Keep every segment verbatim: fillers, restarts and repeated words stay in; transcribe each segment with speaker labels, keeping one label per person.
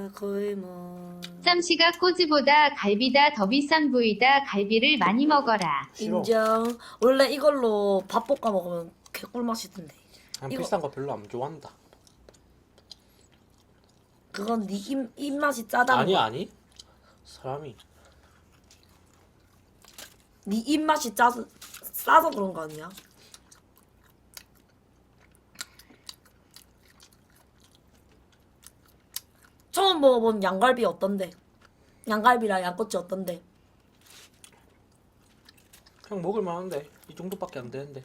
Speaker 1: 거의 뭐
Speaker 2: 쌈씨가 꼬지보다 갈비다 더 비싼 부위다. 갈비를 많이 먹어라.
Speaker 3: 싫어.
Speaker 1: 인정. 원래 이걸로 밥 볶아 먹으면 개꿀 맛이던데.
Speaker 3: 난
Speaker 1: 이거-
Speaker 3: 비싼 거 별로 안 좋아한다.
Speaker 1: 그건 네 입, 입맛이 짜다는
Speaker 3: 아니
Speaker 1: 거야.
Speaker 3: 아니. 사람이
Speaker 1: 네 입맛이 짜서 싸서 그런 거 아니야? 처음 먹어본 양갈비 어떤데? 양갈비랑 양꼬치 어떤데?
Speaker 3: 그냥 먹을 만한데 이 정도밖에 안 되는데.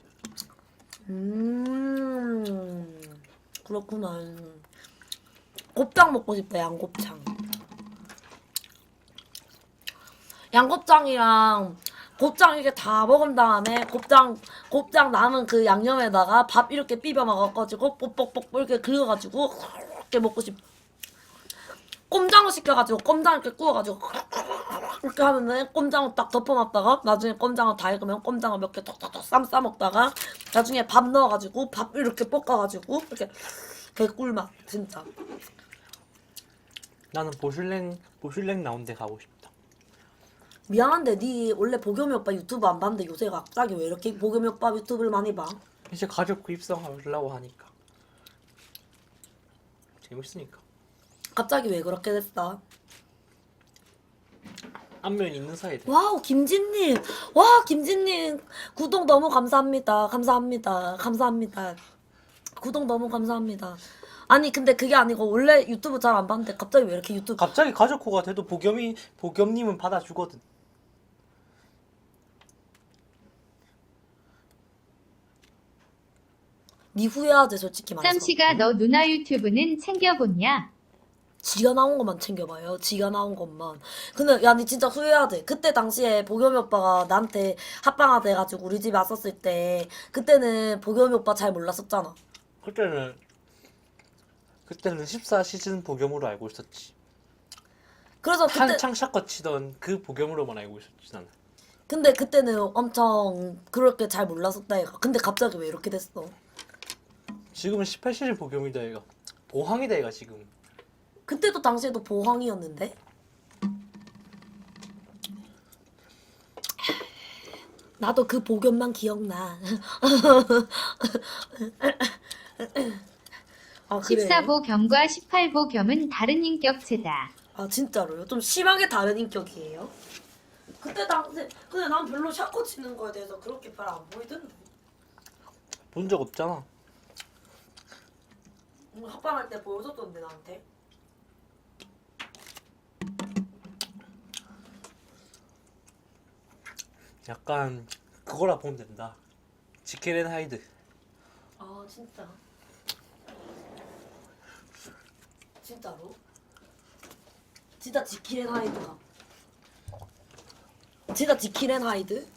Speaker 1: 음 그렇구나. 곱창 먹고 싶다. 양곱창. 양곱창이랑 곱창 이렇게 다 먹은 다음에 곱창 곱창 남은 그 양념에다가 밥 이렇게 비벼 먹어가지고 뽁뽁뽁 이렇게 긁어가지고 이렇게 먹고 싶. 꼼장어 시켜가지고 꼼장 이렇게 구워가지고 이렇게 하면은 꼼장어 딱 덮어놨다가 나중에 꼼장어 다 익으면 꼼장어 몇 개 톡톡톡 쌈 싸먹다가 나중에 밥 넣어가지고 밥 이렇게 볶아가지고 이렇게 개꿀맛 진짜.
Speaker 3: 나는 보슐랭 보슐랭 나온 데 가고 싶다.
Speaker 1: 미안한데 니 원래 보겸이 오빠 유튜브 안 봤는데 요새 갑자기 왜 이렇게 보겸이 오빠 유튜브를 많이 봐?
Speaker 3: 이제 가족 구입성하려고 하니까 재밌으니까.
Speaker 1: 갑자기 왜 그렇게 됐어?
Speaker 3: 안면 있는 사이에 돼.
Speaker 1: 와우 김진님, 와 김진님 구독 너무 감사합니다. 감사합니다. 감사합니다. 구독 너무 감사합니다. 아니 근데 그게 아니고 원래 유튜브 잘 안 봤는데 갑자기 왜 이렇게 유튜브
Speaker 3: 갑자기 가족호가 돼도 보겸이 보겸님은 받아주거든.
Speaker 1: 니 후회하지 솔직히 말해서.
Speaker 2: 쌈씨가 너 누나 유튜브는 챙겨보냐?
Speaker 1: 지가 나온 것만 챙겨봐요. 지가 나온 것만. 근데 야, 니 진짜 후회하지. 그때 당시에 보겸이 오빠가 나한테 합방하다 해가지고 우리 집에 왔었을 때 그때는 보겸이 오빠 잘 몰랐었잖아.
Speaker 3: 그때는 그때는 십사 시즌 보겸으로 알고 있었지.
Speaker 1: 그래서 그때
Speaker 3: 한창 샷컷 치던 그 보겸으로만 알고 있었지 나는.
Speaker 1: 근데 그때는 엄청 그렇게 잘 몰랐었다 얘가. 근데 갑자기 왜 이렇게 됐어?
Speaker 3: 지금은 십팔 시즌 보겸이다 얘가. 보항이다 얘가 지금.
Speaker 1: 그때도 당시에도 보황이었는데? 나도 그 보겸만 기억나. 아, 그래?
Speaker 2: 십사 보겸과 십팔 보겸은 다른 인격체다.
Speaker 1: 아 진짜로요? 좀 심하게 다른 인격이에요? 그때 당시 근데 난 별로 샤코 치는 거에 대해서 그렇게 별 안 보이던데.
Speaker 3: 본 적 없잖아.
Speaker 1: 음, 합방할 때 보여줬던데 나한테.
Speaker 3: 약간 그거라 보면 된다. 지킬 앤 하이드.
Speaker 1: 아 진짜? 진짜로? 진짜 지킬앤 하이드가 진짜 지킬앤 하이드?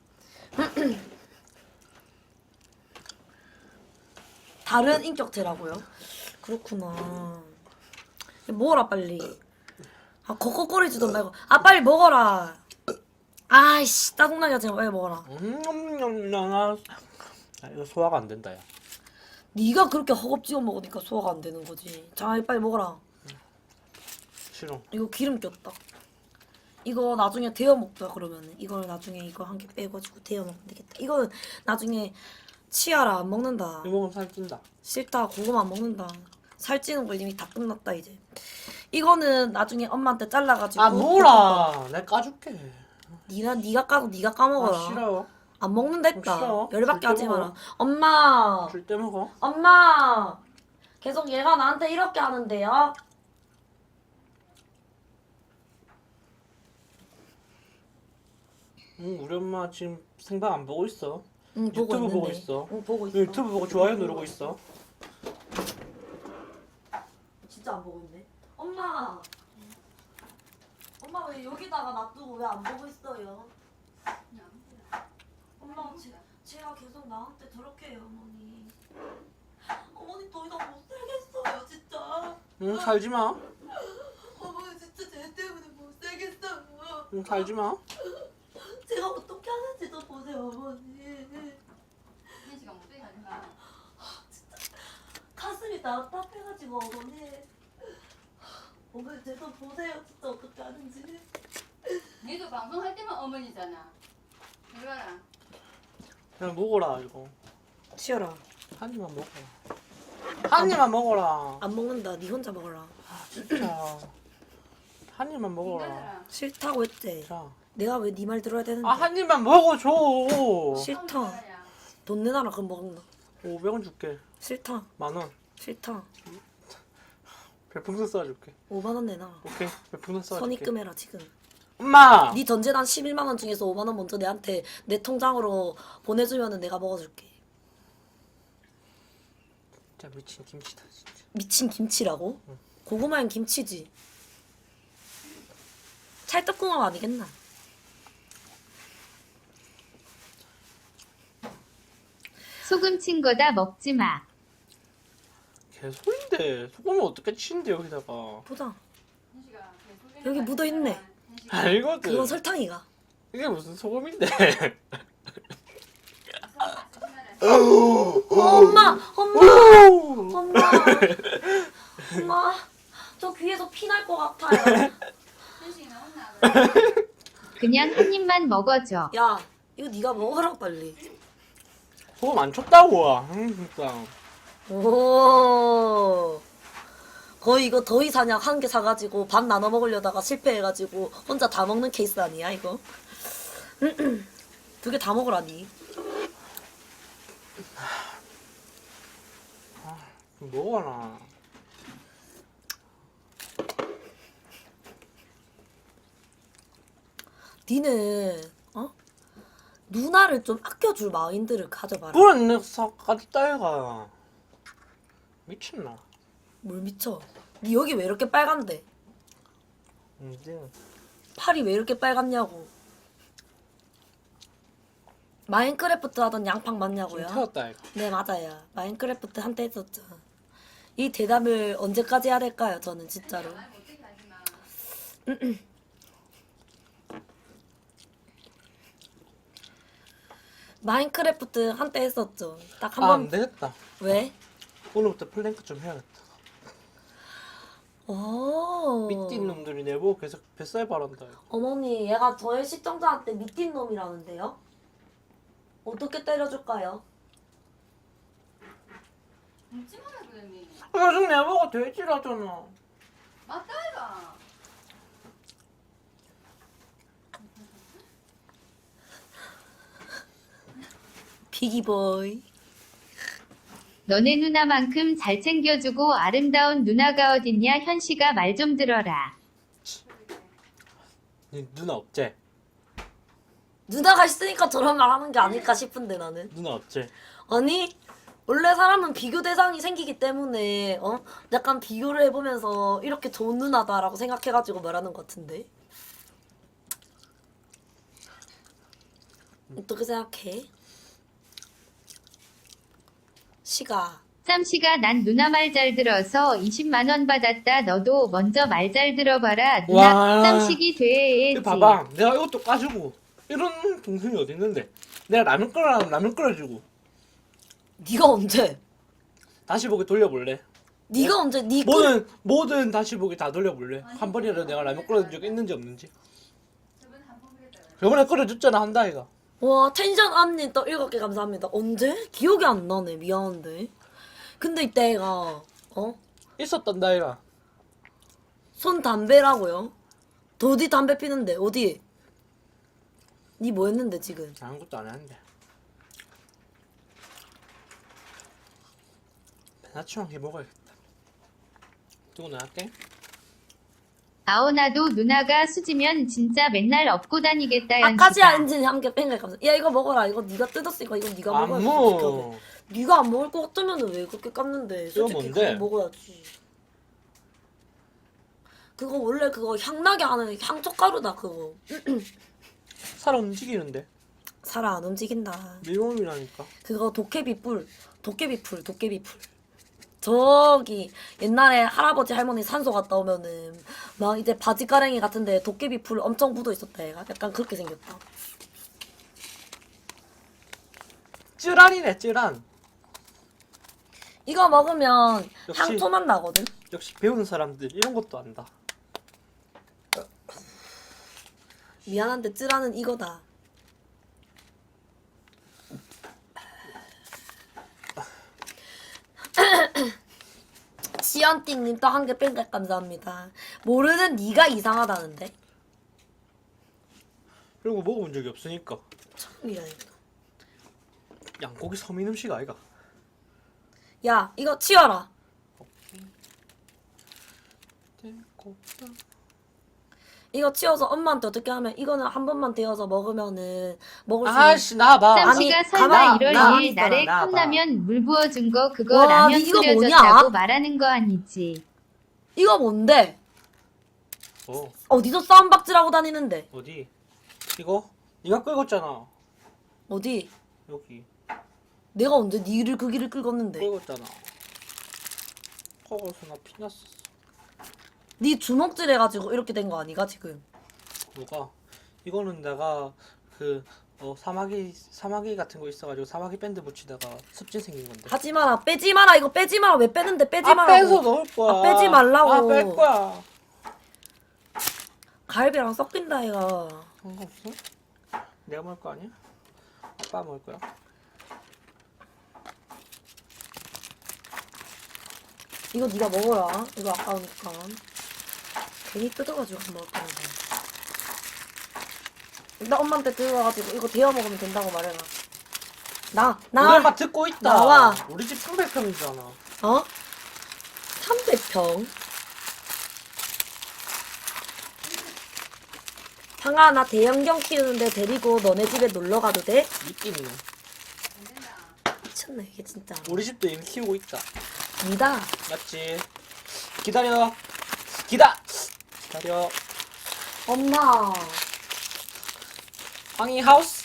Speaker 1: 다른 인격체라고요? 그렇구나. 먹어라 빨리. 아 거 말고 아 빨리 먹어라. 아이씨 짜증나게 하지 마. 빨리 먹어라.
Speaker 3: 음, 나 이거 소화가 안 된다 야.
Speaker 1: 네가 그렇게 허겁지겁 먹으니까 소화가 안 되는 거지. 자 빨리 먹어라.
Speaker 3: 싫어.
Speaker 1: 이거 기름 꼈다. 이거 나중에 데워 먹자 그러면은 이걸 나중에 이거 한 개 빼가지고 데워 먹으면 되겠다. 이거는 나중에 치아라 안 먹는다.
Speaker 3: 이거 먹으면 살찐다.
Speaker 1: 싫다 고구마 안 먹는다. 살찌는 거 이미 다 끝났다 이제. 이거는 나중에 엄마한테 잘라가지고.
Speaker 3: 아 뭐라. 내가 까줄게.
Speaker 1: 니가 니가 까고 니가 까먹어라.
Speaker 3: 아 싫어.
Speaker 1: 안 먹는다 했다.
Speaker 3: 싫어.
Speaker 1: 열받게 하지
Speaker 3: 절대
Speaker 1: 마라.
Speaker 3: 먹어.
Speaker 1: 엄마.
Speaker 3: 줄 때 먹어.
Speaker 1: 엄마. 계속 얘가 나한테 이렇게 하는데요.
Speaker 3: 응 우리 엄마 지금 생방 안 보고 있어.
Speaker 1: 응 보고
Speaker 3: 유튜브
Speaker 1: 있는데.
Speaker 3: 보고 있어.
Speaker 1: 응 보고 있어.
Speaker 3: 유튜브 보고 좋아요 누르고 있어.
Speaker 1: 진짜 안 보고 있네. 엄마. 엄마 왜 여기다가 놔두고 왜 안 보고 있어요? 엄마 제, 제가 계속 나한테 저렇게 해요 어머니. 어머니 더 이상 못 살겠어요 진짜.
Speaker 3: 응 살지 마.
Speaker 1: 어머니 진짜 쟤 때문에 못 살겠어요.
Speaker 3: 응 살지 마.
Speaker 1: 제가 어떻게 하는지도 보세요 어머니.
Speaker 4: 혜지가 못되게 하지 마.
Speaker 1: 가슴이 답답해가지고 어머니. 오늘 제도 보세요 진짜 어떻게 하는지.
Speaker 4: 니도 방송할 때만 어머니잖아. 이리 와라.
Speaker 3: 그냥 먹어라 이거.
Speaker 1: 치열아.
Speaker 3: 한 입만 먹어라. 한 입만 먹어라.
Speaker 1: 안 먹는다. 니 혼자 먹어라.
Speaker 3: 진짜. 한 입만 먹어라.
Speaker 4: 인간들아.
Speaker 1: 싫다고 했지.
Speaker 3: 자.
Speaker 1: 내가 왜 네 말 들어야 되는데?
Speaker 3: 아, 한 입만 먹어줘.
Speaker 1: 싫다. 돈 내놔라 그럼 먹는다.
Speaker 3: 오백 원 줄게.
Speaker 1: 싫다.
Speaker 3: 만 원.
Speaker 1: 싫다.
Speaker 3: 별풍선 쏴줄게.
Speaker 1: 오만 원 내놔.
Speaker 3: 오케이. 별풍선 쏴줄게.
Speaker 1: 선입금해라 지금.
Speaker 3: 엄마.
Speaker 1: 네 전재단 십일만 원 중에서 오만 원 먼저 내한테 내 통장으로 보내주면은 내가 먹어줄게.
Speaker 3: 진짜 미친 김치다 진짜.
Speaker 1: 미친 김치라고?
Speaker 3: 응.
Speaker 1: 고구마엔 김치지. 찰떡궁합 아니겠나?
Speaker 2: 소금 친 거다 먹지 마.
Speaker 3: 개소리인데 소금을 어떻게 치는데 여기다가.
Speaker 1: 보자.
Speaker 4: 현식아,
Speaker 1: 여기 묻어있네.
Speaker 3: 알거든.
Speaker 1: 그건 설탕이가.
Speaker 3: 이게 무슨 소금인데.
Speaker 1: 어, 엄마! 엄마! 엄마! 엄마! 저 귀에서 피 날 것 같아요.
Speaker 4: 현식이 나왔나?
Speaker 2: 그냥 한 입만 먹어줘.
Speaker 1: 야, 이거 네가 먹어라 빨리.
Speaker 3: 소금 안 쳤다고. 응 진짜.
Speaker 1: 오. 거의 이거 더위 사냥 한 개 사가지고 반 나눠 먹으려다가 실패해가지고 혼자 다 먹는 케이스 아니야 이거? 두 개 다 먹으라니.
Speaker 3: 먹어라.
Speaker 1: 니는 어? 누나를 좀 아껴줄 마인드를 가져봐라.
Speaker 3: 그런 녀석 가졌다 얘가. 미쳤나?
Speaker 1: 뭘 미쳐? 니 여기 왜 이렇게 빨간데?
Speaker 3: 이제
Speaker 1: 팔이 왜 이렇게 빨갛냐고. 마인크래프트 하던 양팡
Speaker 3: 좀
Speaker 1: 맞냐고요?
Speaker 3: 태웠다 얘가.
Speaker 1: 네 맞아요. 마인크래프트 한때 했었죠. 이 대답을 언제까지 해야 될까요? 저는 진짜로.
Speaker 4: 말 못되게 하지 마.
Speaker 1: 마인크래프트 한때 했었죠. 딱 한
Speaker 3: 아,
Speaker 1: 번.
Speaker 3: 안 되겠다.
Speaker 1: 왜?
Speaker 3: 오늘부터 플랭크 좀 해야겠다.
Speaker 1: 오.
Speaker 3: 삐띠 놈들이 내보고 계속 뱃살 바란다 이거.
Speaker 1: 어머니, 얘가 저의 시청자한테 미친 놈이라는데요? 어떻게 때려줄까요?
Speaker 4: 묻지 마라 그랬니?
Speaker 3: 요즘 내보고 돼지라잖아.
Speaker 4: 맞다 이가.
Speaker 1: 비기보이.
Speaker 2: 너네 누나만큼 잘 챙겨주고 아름다운 누나가 어딨냐. 현씨가 말 좀 들어라.
Speaker 3: 니 누나 없제?
Speaker 1: 누나가 있으니까 저런 말 하는 게 아닐까 싶은데 나는.
Speaker 3: 누나 없제?
Speaker 1: 아니, 원래 사람은 비교 대상이 생기기 때문에 어? 약간 비교를 해보면서 이렇게 좋은 누나다라고 생각해가지고 말하는 것 같은데. 어떻게 생각해? 시가.
Speaker 2: 쌈씨가 난 누나 말 잘 들어서 이십만 원 받았다. 너도 먼저 말 잘 들어봐라. 누나
Speaker 3: 와.
Speaker 2: 쌈식이 돼야지.
Speaker 3: 이거 봐봐. 내가 이것도 까주고 이런 동생이 어디 있는데? 내가 라면 끓여라면 라면 끓여주고
Speaker 1: 네가 언제?
Speaker 3: 다시 보기 돌려볼래?
Speaker 1: 네가 언제? 네 꿀.
Speaker 3: 뭐든 뭐든 다시 보기 다 돌려볼래? 한 번이라도 내가 라면 끓여준 적 있는지 없는지?
Speaker 4: 저번에 한번 그랬다.
Speaker 3: 저번에 끓여줬잖아 한다 이가.
Speaker 1: 와 텐션 업님 또 일곱 개 감사합니다. 언제? 기억이 안 나네. 미안한데. 근데 이때가 어?
Speaker 3: 있었단다 이가.
Speaker 1: 손 담배라고요? 더 어디 담배 피는데 어디? 니 뭐 했는데 지금?
Speaker 3: 아무것도 안 했는데. 배나치왕 해 먹어야겠다. 두고 나갈게.
Speaker 2: 아오나도 누나가 수지면 진짜 맨날 업고 다니겠다.
Speaker 1: 아까지야
Speaker 2: 현씨가.
Speaker 1: 엔진이 함께 뺑글 감사. 야 이거 먹어라. 이거 네가 뜯었으니까 이거 네가
Speaker 3: 안
Speaker 1: 먹어야지.
Speaker 3: 먹어.
Speaker 1: 솔직하게. 네가 안 먹을 것 같으면은 왜 그렇게 깠는데?
Speaker 3: 이거
Speaker 1: 솔직히
Speaker 3: 뭔데?
Speaker 1: 그거 먹어야지. 그거 원래 그거 향나게 하는 향초가루다 그거.
Speaker 3: 살 움직이는데.
Speaker 1: 살아 안 움직인다.
Speaker 3: 밀몸이라니까.
Speaker 1: 그거 도깨비 뿔, 도깨비 풀, 도깨비 풀. 저기 옛날에 할아버지 할머니 산소 갔다 오면은 막 이제 바지가랭이 같은데 도깨비 풀 엄청 묻어 있었다 얘가. 약간 그렇게 생겼다.
Speaker 3: 쯔란이네 쯔란.
Speaker 1: 이거 먹으면
Speaker 3: 역시.
Speaker 1: 향초맛 나거든.
Speaker 3: 역시 배우는 사람들 이런 것도 안다.
Speaker 1: 미안한데 쯔라는 이거다. 시연띵님 또 한 개 뺑백 감사합니다. 모르는 네가 이상하다는데?
Speaker 3: 그리고 먹어본 적이 없으니까.
Speaker 1: 처음이라니까.
Speaker 3: 양고기 서민 음식 아이가?
Speaker 1: 야 이거 치워라. 이거 치워서 엄마한테 어떻게 하면 이거는 한 번만 데워서 먹으면은 먹을 수 있는.
Speaker 3: 아씨 나봐.
Speaker 1: 아니,
Speaker 2: 쌈씨가 설마
Speaker 1: 가만,
Speaker 2: 일월
Speaker 1: 가만히
Speaker 2: 이일
Speaker 3: 있어라,
Speaker 2: 날에
Speaker 3: 나와봐.
Speaker 2: 컵라면 물 부어준 거 그거
Speaker 1: 와,
Speaker 2: 라면
Speaker 1: 이거
Speaker 2: 끓여줬다고
Speaker 1: 뭐냐?
Speaker 2: 말하는 거 아니지?
Speaker 1: 이거 뭔데?
Speaker 3: 어
Speaker 1: 어디서 쌈박질하고 다니는데?
Speaker 3: 어디? 이거? 네가 끓였잖아.
Speaker 1: 어디?
Speaker 3: 여기
Speaker 1: 내가 언제 니를 그 길을 긁었는데?
Speaker 3: 끓였잖아. 거기서 나 피났었어.
Speaker 1: 니 주먹질 해가지고 이렇게 된 거 아니가 지금?
Speaker 3: 뭐가? 이거는 내가 그 어, 사마귀 사마귀 같은 거 있어가지고 사마귀 밴드 붙이다가 습진 생긴 건데.
Speaker 1: 하지 마라, 빼지 마라, 이거 빼지 마라. 왜 빼는데 빼지
Speaker 3: 아
Speaker 1: 마라고.
Speaker 3: 빼서 넣을 거야.
Speaker 1: 아, 빼지 말라고.
Speaker 3: 아 뺄 거야.
Speaker 1: 갈비랑 섞인다 이거.
Speaker 3: 상관없어? 내가 먹을 거 아니야? 아빠 먹을 거야.
Speaker 1: 이거 네가 먹어라. 이거 아까우니까. 괜히 뜯어가지고 안 먹을 거야. 나 엄마한테 들어가가지고 이거 데워 먹으면 된다고 말해라. 나,
Speaker 3: 우리
Speaker 1: 나,
Speaker 3: 엄마 듣고 있다.
Speaker 1: 나와.
Speaker 3: 우리 집 삼백 평이잖아.
Speaker 1: 어? 삼백 평? 상아, 나 대형견 키우는데 데리고 너네 집에 놀러 가도 돼?
Speaker 3: 있겠네.
Speaker 4: 안 된다.
Speaker 1: 미쳤네 이게 진짜.
Speaker 3: 우리 집도 이미 키우고 있다.
Speaker 1: 니다.
Speaker 3: 맞지? 기다려. 기다. 기다려.
Speaker 1: 엄마.
Speaker 3: 황희 하우스.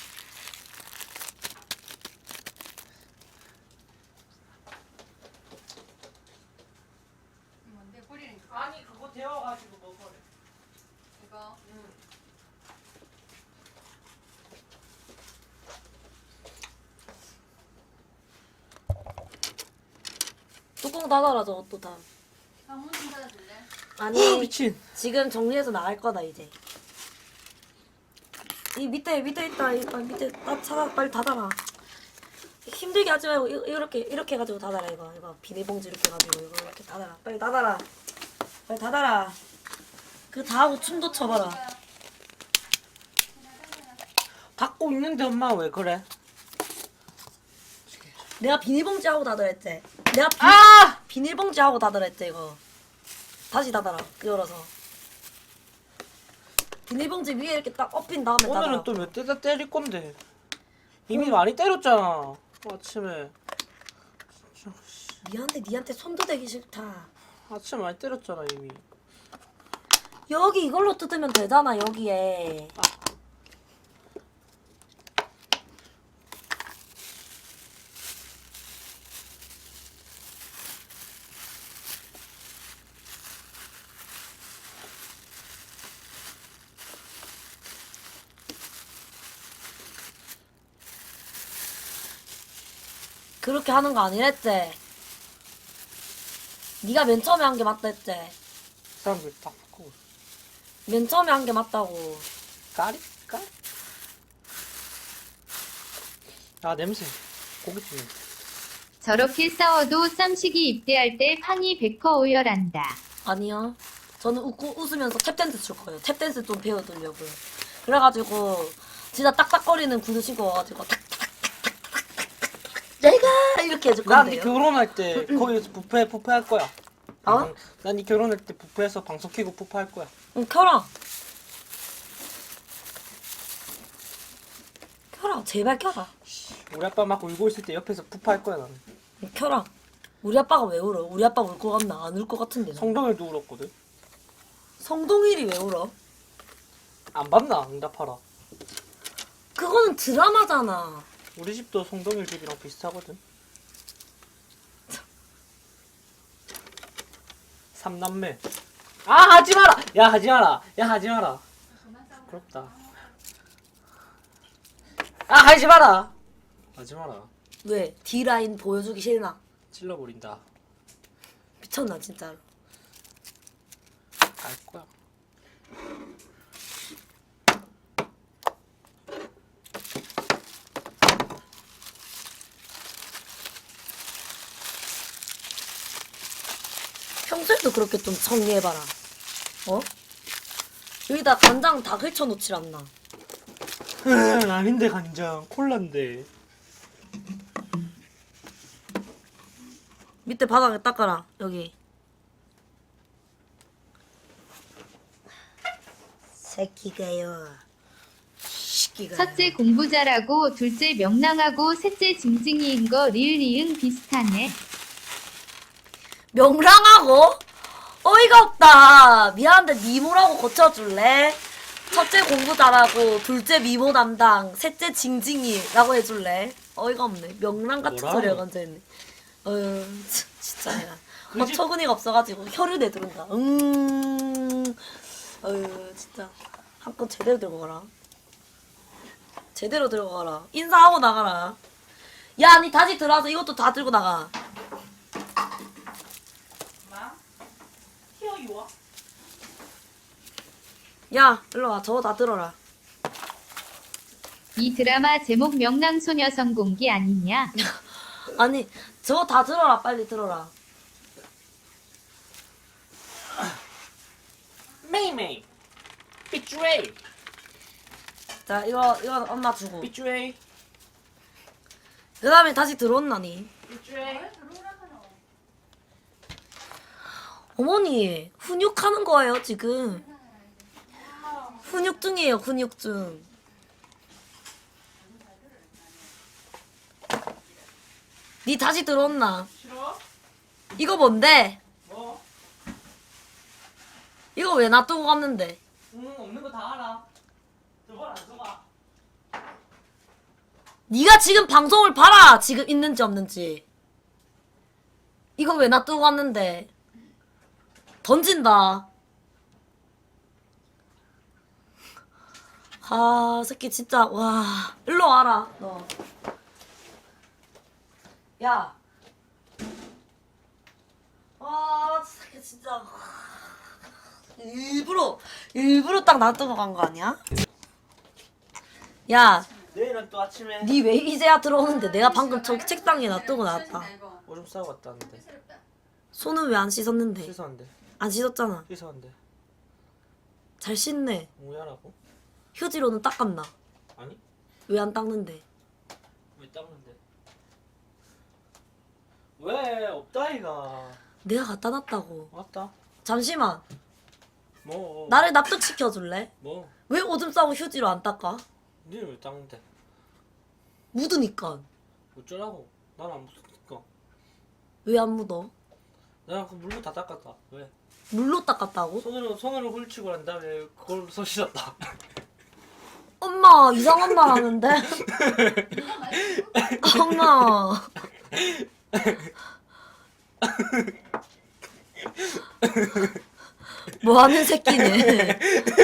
Speaker 4: 뭔데 뿌리는 거?
Speaker 3: 아니 그거 데워가지고 먹어래.
Speaker 4: 이거.
Speaker 1: 뚜껑 닫아라 저것도 다.
Speaker 4: 방문 좀 닫아줄래?
Speaker 1: 아니
Speaker 3: 미친.
Speaker 1: 지금 정리해서 나갈 거다 이제. 이 밑에 밑에 있다. 이 아, 밑에 딱 찾아 빨리 닫아라. 힘들게 하지 말고 이- 이렇게 이렇게 해가지고 닫아라 이거 이거 비닐봉지 이렇게 해가지고 이거 이렇게 닫아라 빨리 닫아라 빨리 닫아라. 그 다 하고 춤도 춰봐라.
Speaker 3: 닫고 있는데 엄마 왜 그래?
Speaker 1: 내가 비닐봉지 하고 닫으라 했지. 내가 비,
Speaker 3: 아!
Speaker 1: 비닐봉지 하고 닫으라 했지 이거. 다시 닫아라 열어서. 비닐봉지 위에 이렇게 딱 엎인 다음에 닫아라.
Speaker 3: 오늘은 또 몇 대다 때릴 건데. 이미 많이 때렸잖아. 아침에. 진짜, 씨.
Speaker 1: 미안한데 니한테 손도 대기 싫다.
Speaker 3: 아침에 많이 때렸잖아 이미.
Speaker 1: 여기 이걸로 뜯으면 되잖아 여기에. 그렇게 하는 거 아니랬지? 네가 맨 처음에 한 게 맞다 했지?
Speaker 3: 사람들 다 바꾸고.
Speaker 1: 맨 처음에 한 게 맞다고.
Speaker 3: 까리? 까리? 아 냄새. 고깃집 냄새.
Speaker 2: 저렇게 싸워도 쌈식이 입대할 때 팡이 백퍼 오열한다.
Speaker 1: 아니요. 저는 웃고 웃으면서 탭댄스 출 거예요. 탭댄스 좀 배워두려고요. 그래가지고 진짜 딱딱거리는 구두 신고 와가지고 탁탁탁탁탁탁 내가 이렇게 해줄
Speaker 3: 난네
Speaker 1: 건데요.
Speaker 3: 결혼할 때 거기서 뷔페 뷔페 할 거야.
Speaker 1: 어?
Speaker 3: 난네 결혼할 때 뷔페에서 방송 켜고 뷔페 할 거야.
Speaker 1: 응, 켜라. 켜라. 제발 켜라.
Speaker 3: 우리 아빠 막 울고 있을 때 옆에서 뷔페 할 거야 나는.
Speaker 1: 응, 켜라. 우리 아빠가 왜 울어? 우리 아빠 울 것 같나? 안 울 것 같은데. 나.
Speaker 3: 성동일도 울었거든.
Speaker 1: 성동일이 왜 울어?
Speaker 3: 안 봤나? 응답하라.
Speaker 1: 그거는 드라마잖아.
Speaker 3: 우리 집도 성동일 집이랑 비슷하거든. 삼남매. 아 하지 마라. 야 하지 마라. 야 하지 마라.
Speaker 4: 그만 싸우고.
Speaker 3: 부럽다. 아 하지 마라. 하지 마라.
Speaker 1: 왜? D라인 보여주기 싫나?
Speaker 3: 찔러버린다.
Speaker 1: 미쳤나 진짜로.
Speaker 3: 알 거야.
Speaker 1: 평소에도 그렇게 좀 정리해봐라. 어? 여기다 간장 다 긁혀놓질 않나.
Speaker 3: 으, 아닌데 간장 콜라인데.
Speaker 1: 밑에 바닥에 닦아라. 여기. 새끼가요. 새끼가.
Speaker 2: 첫째 공부 잘하고 둘째 명랑하고 셋째 징징이인 거 리을 이응 비슷하네.
Speaker 1: 명랑하고? 어이가 없다. 미안한데 미모라고 고쳐줄래? 첫째 공부 잘하고 둘째 미모 담당 셋째 징징이라고 해줄래? 어이가 없네. 명랑 같은
Speaker 3: 뭐라고?
Speaker 1: 소리가 건져있네. 어휴 참, 진짜 내가 어처구니가 없어가지고 혀를 내두른다. 음 어휴 진짜 한껏 제대로 들고 가라. 제대로 들고 가라. 인사하고 나가라. 야 니 다시 들어와서 이것도 다 들고 나가. 야 일로 와. 저거 다 들어라.
Speaker 2: 이 드라마 제목 명랑소녀 성공기 아니냐?
Speaker 1: 아니 저거 다 들어라. 빨리 들어라.
Speaker 3: 메이메이 삐쭈에이
Speaker 1: 자 이거 이거 엄마 주고
Speaker 3: 삐쭈에이
Speaker 1: 그 다음에 다시 들어온나니.
Speaker 3: 삐쭈에이.
Speaker 1: 어머니 훈육하는 거예요 지금. 훈육증이에요 훈육증. 니 다시 들어온나.
Speaker 3: 싫어?
Speaker 1: 이거 뭔데?
Speaker 3: 뭐?
Speaker 1: 이거 왜 놔두고 갔는데?
Speaker 3: 응 없는 거 다 알아. 저걸 안 써봐.
Speaker 1: 니가 지금 방송을 봐라. 지금 있는지 없는지. 이거 왜 놔두고 갔는데? 던진다. 아 새끼 진짜 와 일로 와라 너. 야. 아 새끼 진짜 일부러 일부러 딱 놔두고 간 거 아니야? 야.
Speaker 3: 내일은 또 아침에
Speaker 1: 니 왜 이제야 들어오는데 내가 방금 저기 책상에 놔두고 나왔다.
Speaker 3: 오줌 싸고 갔다 왔는데.
Speaker 1: 손은 왜 안 씻었는데?
Speaker 3: 씻었는데.
Speaker 1: 안 씻었잖아.
Speaker 3: 씻었는데.
Speaker 1: 잘 씻네.
Speaker 3: 뭐야라고?
Speaker 1: 휴지로는 닦았나?
Speaker 3: 아니
Speaker 1: 왜 안 닦는데?
Speaker 3: 왜 닦는데? 왜 없다 이가.
Speaker 1: 내가 갖다 놨다고.
Speaker 3: 왔다.
Speaker 1: 잠시만.
Speaker 3: 뭐?
Speaker 1: 나를 납득시켜줄래?
Speaker 3: 뭐?
Speaker 1: 왜 오줌 싸고 휴지로 안 닦아?
Speaker 3: 니는 왜 닦는데?
Speaker 1: 묻으니까.
Speaker 3: 어쩌라고? 난 안 묻으니까.
Speaker 1: 왜 안 묻어?
Speaker 3: 내가 그 물로 다 닦았다. 왜?
Speaker 1: 물로 닦았다고?
Speaker 3: 손으로 손으로 훑치고 난 다음에 그걸로 손 씻었다.
Speaker 1: 엄마 이상한 말 하는데? 엄마. 뭐 하는 새끼네.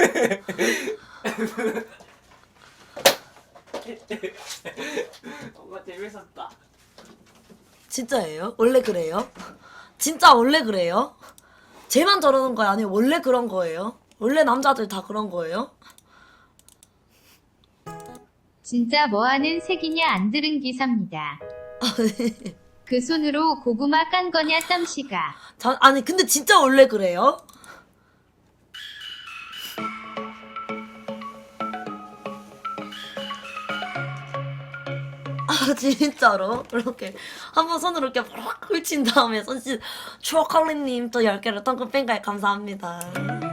Speaker 3: 엄마 재밌었다.
Speaker 1: 진짜예요? 원래 그래요? 진짜 원래 그래요? 쟤만 저러는 거야? 아니면 원래 그런 거예요? 원래 남자들 다 그런 거예요?
Speaker 2: 진짜 뭐하는 색이냐 안 들은 기사입니다. 그 손으로 고구마 깐 거냐 쌈씨가.
Speaker 1: 자, 아니 근데 진짜 원래 그래요? 아 진짜로? 이렇게 한번 손으로 이렇게 팍 훑친 다음에 손짓 추억할리님 또 열 개를 덩크 팬가에 감사합니다.